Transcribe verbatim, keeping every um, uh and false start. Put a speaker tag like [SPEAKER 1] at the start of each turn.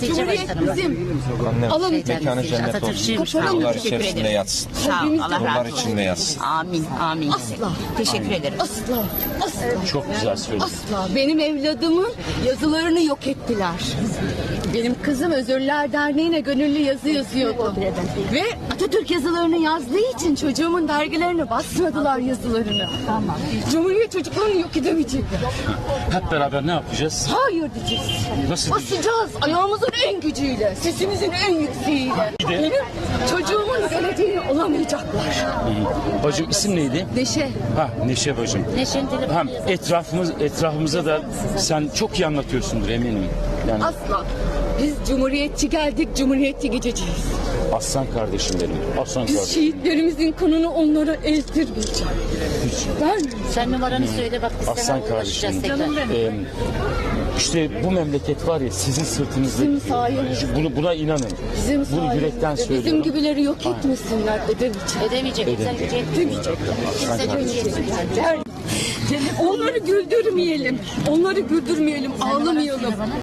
[SPEAKER 1] ilçe
[SPEAKER 2] Cumhuriyet
[SPEAKER 1] başkanımız.
[SPEAKER 2] bizim.
[SPEAKER 3] Annem
[SPEAKER 2] Alın
[SPEAKER 3] mekanı cennet olsun.
[SPEAKER 1] Atatürkçüymüş.
[SPEAKER 2] Kapalı
[SPEAKER 3] Yollar
[SPEAKER 2] teşekkür
[SPEAKER 3] içerisinde
[SPEAKER 2] ederim.
[SPEAKER 3] yatsın.
[SPEAKER 1] Sağ ol, Allah
[SPEAKER 3] Yollar
[SPEAKER 1] razı olsun.
[SPEAKER 3] içinde yatsın.
[SPEAKER 1] Amin, amin.
[SPEAKER 2] Asla.
[SPEAKER 1] Teşekkür ederim.
[SPEAKER 2] Asla. Asla.
[SPEAKER 4] Çok güzel söyledin.
[SPEAKER 2] Asla. Benim evladımın yazılarını yok ettiler. Benim kızım Özürler Derneği'ne gönüllü yazı yazıyordu. Ve Atatürk yazılarını yazdığı için çocuğumun dergilerine basmadılar yazılarını. Tamam. Cumhuriyet çocuklarını yok edemeyecekler.
[SPEAKER 4] Hep beraber ne yapacağız?
[SPEAKER 2] Hayır diyeceğiz.
[SPEAKER 4] Nasıl
[SPEAKER 2] Basacağız ayağımızın en gücüyle, sesimizin en yükseğiyle. Benim çocuğumun geleceğini olamayacaklar.
[SPEAKER 4] Bacım isim neydi?
[SPEAKER 2] Neşe.
[SPEAKER 4] Ha Neşe bacım.
[SPEAKER 1] Neşe'nin telefonu
[SPEAKER 4] Hem etrafımız etrafımıza da sen çok iyi anlatıyorsundur eminim. Yani
[SPEAKER 2] Asla. Biz cumhuriyetçi geldik, cumhuriyetçi gideceğiz.
[SPEAKER 4] aslan kardeşim benim. Aslan
[SPEAKER 2] Biz
[SPEAKER 4] kardeşim.
[SPEAKER 2] şehitlerimizin kanını onlara eltirmeyeceğiz. Ben
[SPEAKER 1] Sen numaranı söyle bak biz
[SPEAKER 4] Aslan
[SPEAKER 1] sana ulaşacağız
[SPEAKER 4] kardeşim.
[SPEAKER 1] tekrar.
[SPEAKER 4] Ee, işte bu memleket var ya sizin sırtınızda.
[SPEAKER 2] Bizim sayenizde.
[SPEAKER 4] Bunu, buna inanın.
[SPEAKER 2] bizim
[SPEAKER 4] Bunu
[SPEAKER 2] sayemizde
[SPEAKER 4] yürekten
[SPEAKER 2] bizim
[SPEAKER 4] söylüyorum.
[SPEAKER 2] gibileri yok etmesinler edemeyecek.
[SPEAKER 1] Edemeyecek. Kimse gücü yetmeyecek. Kimse gücü yetmeyecek.
[SPEAKER 2] Onları güldürmeyelim. Onları güldürmeyelim. Ağlamayalım.